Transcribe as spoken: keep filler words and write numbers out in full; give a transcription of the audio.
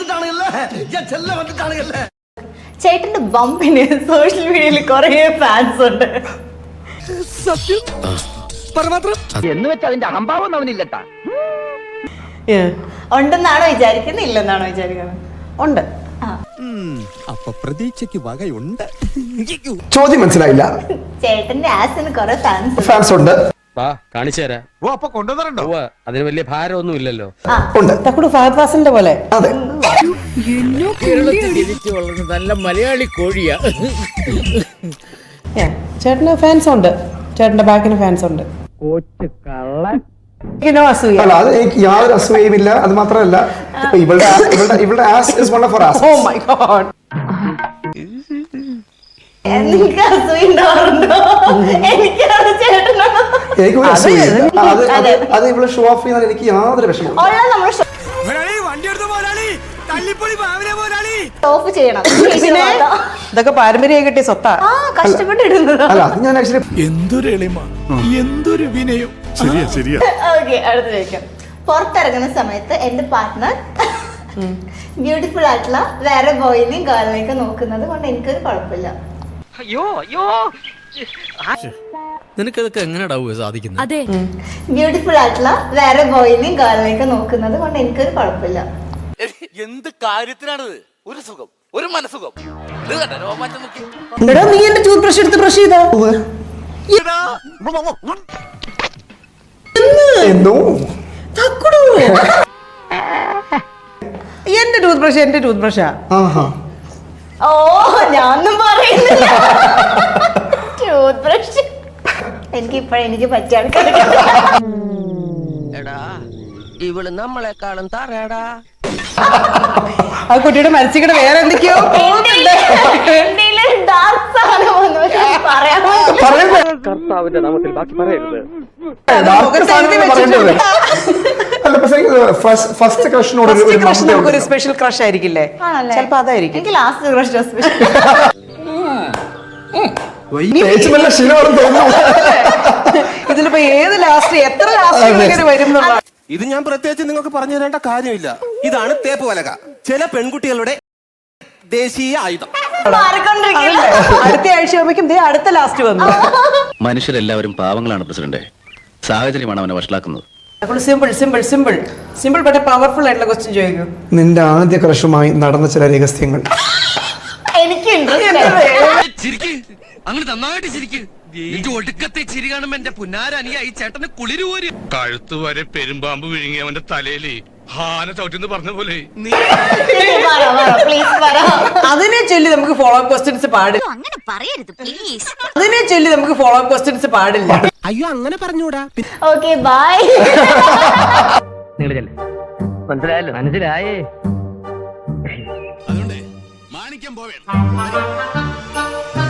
ചേട്ടന്റെ ബമ്പിന് സോഷ്യൽ മീഡിയയിൽ കുറെ ഫാൻസ് ഉണ്ട്. സത്യം എന്ന് വെച്ചാൽ അതിന്റെ അഹംഭാവം അവനില്ലട്ടാ. ഉണ്ടെന്നാണോ വിചാരിക്കുന്നത്, ഇല്ലെന്നാണോ വിചാരിക്കുന്നത്? ഉണ്ട്. അപ്പൊ പ്രതീക്ഷയ്ക്ക് വകയുണ്ട്. ചോദ്യം മനസ്സിലായില്ല. ചേട്ടന്റെ ആസിന് കുറെ ഫാൻസ് ഫാൻസ് ഉണ്ട്. കാണിച്ചു തരാം. ഓ അപ്പൊ കൊണ്ടുവന്നിട്ടുണ്ടോ? അതിന് വലിയ ഭാരമൊന്നും ഇല്ലല്ലോ. ഉണ്ട്. തക്കുടു ഫഹദ് ഫാസിലിന്റെ പോലെ. അതെ. ജനിച്ചു വളർന്ന നല്ല മലയാളി കോഴിയാ. ചേട്ടന് ഫാൻസ് ഉണ്ട്. ചേട്ടന്റെ ബാക്കിന് ഫാൻസ് ഉണ്ട്. അല്ല, അത് എനിക്ക് യാതൊരു അസൂയയുമില്ല. അത് മാത്രമല്ല, ഇവളുടെ ഇവളുടെ ass is one of her ass. Oh my God. എനിക്ക് അസൂയുണ്ടാവാറുണ്ടോ? എനിക്കാണ് ചേട്ടനോ? എനിക്ക് ഒരു അസൂയയില്ല. അത് അത് ഇവള് ഷോ ഓഫ് ചെയ്യുന്നതിൽ എനിക്ക് യാതൊരു വിഷമമില്ല. ഓഫ് ചെയ്യണം. ഇതൊക്കെ പാരമ്പര്യം കിട്ടിയ സ്വത്താ. ആ കഷ്ടപ്പെട്ടിടുന്നത്. അല്ല, അത് ഞാൻ ആക്ച്വലി എന്തൊരു എളിമ, എന്തൊരു വിനയം. ശരിയാ ശരിയാ. ഓക്കെ, അടുത്ത ചോദിക്കാം. പുറത്തിറങ്ങുന്ന സമയത്ത് എന്റെ പാർട്ട്ണർ ബ്യൂട്ടിഫുൾ ആയിട്ടുള്ള വേറെ ബോയിനെയും ഗേളിനെയൊക്കെ നോക്കുന്നത് കൊണ്ട് എനിക്കൊരു കുഴപ്പമില്ല. അയ്യോ അയ്യോ, നിനക്കതൊക്കെ എങ്ങനെയാ സാധിക്കുന്നത്? അതെ, ബ്യൂട്ടിഫുൾ ആയിട്ടുള്ള വേറെ ബോയിനെയും ഗേളിനെയൊക്കെ നോക്കുന്നത് കൊണ്ട് എനിക്കൊരു കുഴപ്പമില്ല. എന്ത് കാര്യത്തിനാണിത്? ഒരു സുഖം, ഒരു മനസുഖം. എടാ, നീ എന്റെ ടൂത്ത് ബ്രഷ് എടുത്ത് ബ്രഷ് ചെയ്താ എന്തോ എന്റെ ടൂത്ത് ബ്രഷ് എന്റെ ടൂത്ത് ബ്രഷാ. ഓ, ഞാനൊന്നും പറയുന്നില്ല. ടൂത്ത് ബ്രഷ് എനിക്ക് ഇപ്പഴ എനിക്ക് പറ്റിയ ആൾക്കാർ. എടാ, ഇവള് നമ്മളെക്കാളും തറയടാ. ആ കുട്ടിയുടെ മനസ്സിൽ വേറെ എന്തൊക്കെയോ കർത്താവിന്റെ നാമത്തിൽ ബാക്കി പറയരുത്. ഫസ്റ്റ് ക്രഷിനോട് ഒരു സ്പെഷ്യൽ ക്രഷ് ആയിരിക്കില്ലേ? ചിലപ്പോ അതായിരിക്കും. എനിക്ക് ലാസ്റ്റ് ക്രഷ് സ്പെഷ്യൽ. ഇതിലിപ്പോ ഏത് ലാസ്റ്റ് എത്ര ലാസ്റ്റ് വരും? ഇത് ഞാൻ പ്രത്യേകിച്ച് നിങ്ങൾക്ക് പറഞ്ഞു തരേണ്ട കാര്യമില്ല. ഇതാണ് തേപ്പ് പലക, ചില പെൺകുട്ടികളുടെ ദേശീയ ആയുധം. അടുത്ത ആഴ്ച ആവുമ്പോഴേക്കും അടുത്ത ലാസ്റ്റ് വന്നു. മനുഷ്യരെല്ലാവരും പാവങ്ങളാണ് പ്രസിഡന്റ്. സാഹചര്യമാണ് അവനെ വഷളാക്കുന്നത്. സിമ്പിൾ സിമ്പിൾ സിമ്പിൾ സിമ്പിൾ പക്ഷേ പവർഫുൾ ആയിട്ടുള്ള ക്വസ്റ്റ്യൻ ചോദിക്കും. നിന്റെ ആദ്യ ക്രഷുമായി നടന്ന ചില രഹസ്യങ്ങൾ. എനിക്ക് അങ്ങനെ നന്നായിട്ട് ചിരിക്ക്. ഒടുക്കത്തെ ചിരി കാണുമ്പോ എന്റെ പുന്നാരനിയായി ചേട്ടന് കുളിര് പോരും. കഴുത്ത് വരെ പെരുമ്പാമ്പ് വിഴുങ്ങി അവന്റെ തലയില് ഹാന ചവിട്ടിന്ന് പറഞ്ഞ പോലെ. അതിനെ ചൊല്ലി നമുക്ക് ഫോളോ അപ്പ് ക്വസ്റ്റ്യൻസ് പാടില്ല. അതിനെ ചൊല്ലി നമുക്ക് ഫോളോ അപ്പ് ക്വസ്റ്റ്യൻസ് പാടില്ല. അയ്യോ, അങ്ങനെ പറഞ്ഞൂടാ. Okay, by. മനസ്സിലായല്ലോ? മനസ്സിലായേ. അതുകൊണ്ട് മാണിക്യം പോവേണ്ട.